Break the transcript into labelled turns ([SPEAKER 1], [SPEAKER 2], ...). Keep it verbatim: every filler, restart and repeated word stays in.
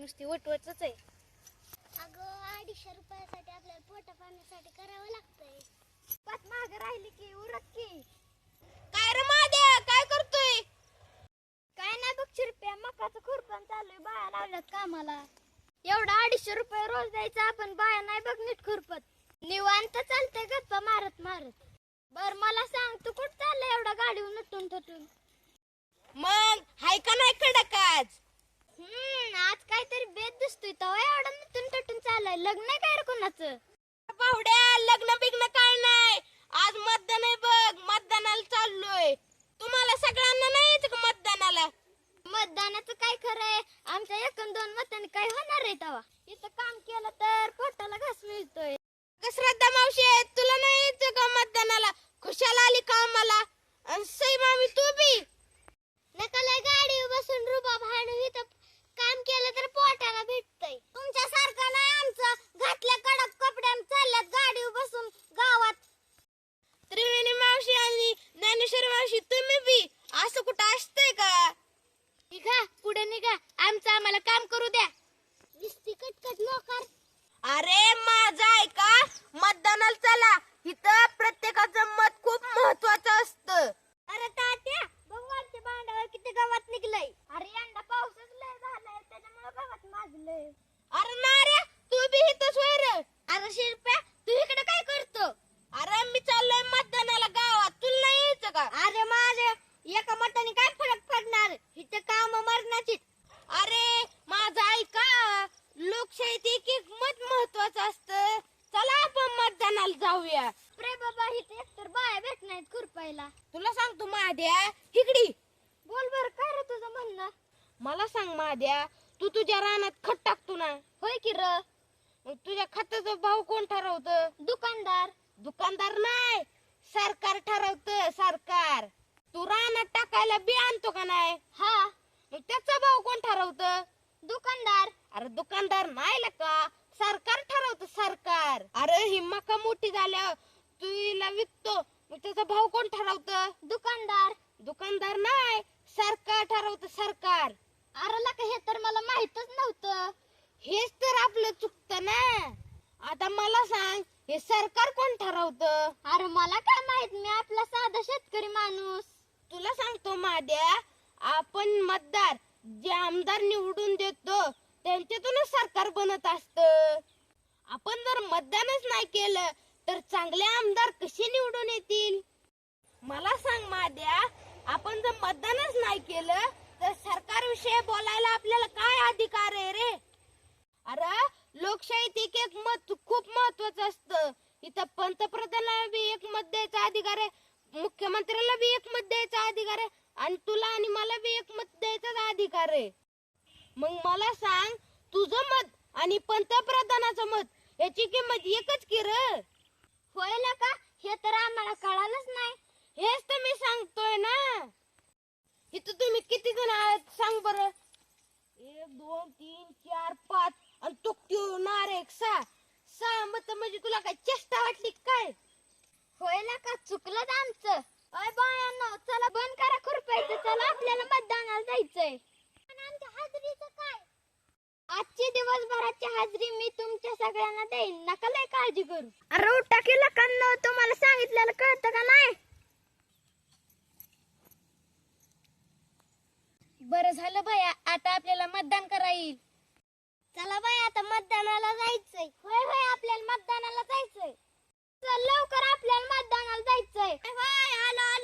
[SPEAKER 1] नुसती वटवटच आहे.
[SPEAKER 2] अगं अडीचशे रुपयासाठी आपल्याला पोटा पाण्यासाठी करावं लागतंय.
[SPEAKER 1] पाच मागे राहिली की उरक की.
[SPEAKER 3] काय रे माद्या, काय करतोय?
[SPEAKER 1] काय नाही बघ शिरप्या, मकाचं खुरपण चालू आहे, बाया लावल्यात कामाला. एवढा अडीचशे रुपये रोज द्यायचा, आपण बाया नाही बघ नीट खुरपत. निवांत चालतंय गप्पा मारत मारत. बर मला सांग, तू कुठं चाललंय एवढा गाडीवर नटून थटून?
[SPEAKER 3] मग हाय का नाही कडक आज?
[SPEAKER 1] हम्म आज काहीतरी बेत दिसतोय, तेव्हा एवढा नटून थटून चाललाय. लग्न आहे काय रे कोणाचं?
[SPEAKER 3] पाहुड्या, लग्न बिग्न काय नाही, आज मतदान आहे बघ, मतदानाला चाललोय. तुम्हाला सगळ्यांना नाही यायचं का मतदानाला?
[SPEAKER 1] मतदानाचं काय खरंय, आमच्या एकूण दोन मतांनी काय होणार आहे तेव्हा? इथं काम केलं तर पोटाला घास मिळतोय.
[SPEAKER 3] श्रद्धा मावशी, तुला नाही यायचं का मतदानाला? खुशाला आली का आम्हाला? आणि सई मामी तू बी
[SPEAKER 2] नका गाडी बसून रुबाब हाणू, इथं काम केलं तर पोटाला भेटतंय. तुमच्या सारखं नाही आमचं, घातल्या कडक कपड्यान चालल्यात गाडी बसून गावात.
[SPEAKER 3] त्रिवेणी मावशी आणि ज्ञानेश्वरी मावशी तुम्ही बी असं कुठं असतंय का?
[SPEAKER 1] निघा पुढे निघा, आमचं आम्हाला काम करू द्या.
[SPEAKER 2] दिसती कटकट नोकर.
[SPEAKER 3] अरे माझा ऐका, मतदानाला चला. इथं प्रत्येकाचं मत खूप महत्वाचं असतं.
[SPEAKER 1] अरे तात्या, भगवानच्या भांड्यावर किती गावात निघलंय. अरे यंदा पाऊसच लय झालाय, त्याच्यामुळे गावात माजलंय.
[SPEAKER 3] अरे नाऱ्या, तू बी इथंच होय रे?
[SPEAKER 1] अरे शिरप्या, तू इकडे काय करतो?
[SPEAKER 3] अरे मी चाललोय मतदानाला गावात, तुला नाही यायचं का?
[SPEAKER 1] अरे माझे एका मताने काय फरक पडणार, इथे काम मरणाची.
[SPEAKER 3] अरे माझं ऐका, लोकशाहीत एक एक मत महत्वाचं असतं. चला आपण मतदानाला जाऊया.
[SPEAKER 1] प्रे बाबा, इथे एकतर बाया भेट नाहीत खुरपायला.
[SPEAKER 3] तुला सांगतो महाद्या, हिकडी
[SPEAKER 1] बोल बर, काय रे तुझं म्हणणं?
[SPEAKER 3] मला सांग महाद्या, तू तुझ्या रानात खत टाकतो ना,
[SPEAKER 1] होय की र.
[SPEAKER 3] मग तुझ्या खताचा भाव कोण ठरवतं?
[SPEAKER 1] दुकानदार.
[SPEAKER 3] दुकानदार नाही, सरकार ठरवतं, सरकार. तू रानात टाकायला बी आणतो का नाही?
[SPEAKER 1] हा.
[SPEAKER 3] मग त्याचा भाव कोण ठरवतं?
[SPEAKER 1] दुकानदार.
[SPEAKER 3] अरे दुकानदार नाही का, सरकार ठरवतं, सरकार. अरे ही मका मोठी झाल्यावर तू हिला विकतो, मग त्याचा भाव कोण ठरवतं?
[SPEAKER 1] दुकानदार.
[SPEAKER 3] दुकानदार नाही, सरकार ठरवतं, सरकार.
[SPEAKER 1] अरे लका, हे तर मला माहितच नव्हतं.
[SPEAKER 3] हेच तर आपलं चुकतं ना. आता मला सांग, हे सरकार कोण ठरवतं?
[SPEAKER 1] अरे मला काय माहित, मी आपला साधा शेतकरी माणूस.
[SPEAKER 3] तुला सांगतो माद्या, आपण मतदार जे आमदार निवडून देतो त्यांच्यातूनच सरकार बनत असतं. आपण जर मतदानच नाही केलं तर चांगले आमदार कसे निवडून येतील? मला सांग माद्या, आपण जर मतदानच नाही केलं तर सरकारविषयी बोलायला आपल्याला काय अधिकार आहे रे? अरे लोकशाहीत एक एक मत खूप महत्वाचं असतं. इथं पंतप्रधानाला बी एक मत द्यायचा अधिकार आहे, मुख्यमंत्र्याला बी एक मत द्यायचा अधिकार आहे, आणि तुला आणि मला बी एक मत द्यायचा अधिकार आहे. मग मला सांग, तुझं मत आणि पंतप्रधानाचं मत याची किंमत एकच की रे?
[SPEAKER 1] होय का, हे तर आम्हाला कळालंच नाही.
[SPEAKER 3] हेच तर मी सांगतोय ना. इथं तुम्ही किती जण आहात सांग बरं? एक दोन तीन चार पाच, आणि तो त्यो नारे एक सहा सहा मत. म्हणजे तुला काय चेष्टा वाटली काय?
[SPEAKER 1] होय का, चुकलं आमचं. अय बायांनो, चला बंद करा खुरपायचं, चला आपल्याला मतदानाला जायचंय.
[SPEAKER 2] आमच्या हाजरीचं काय?
[SPEAKER 1] आजची दिवसभराची हाजरी मी तुमच्या सगळ्यांना देईन, नका लय काळजी करू. अरे उठा की लकांनो, तुम्हाला सांगितलेलं कळतं का नाही? बरं झालं बाया, आता आपल्याला मतदान करा येईल.
[SPEAKER 2] चला बाई, आता मतदानाला जायचंय.
[SPEAKER 1] होय होय, आपल्याला मतदानाला जायचंय. चल लवकर, आपल्याला मतदानाला जायचंय.
[SPEAKER 2] होय, आलो आलो.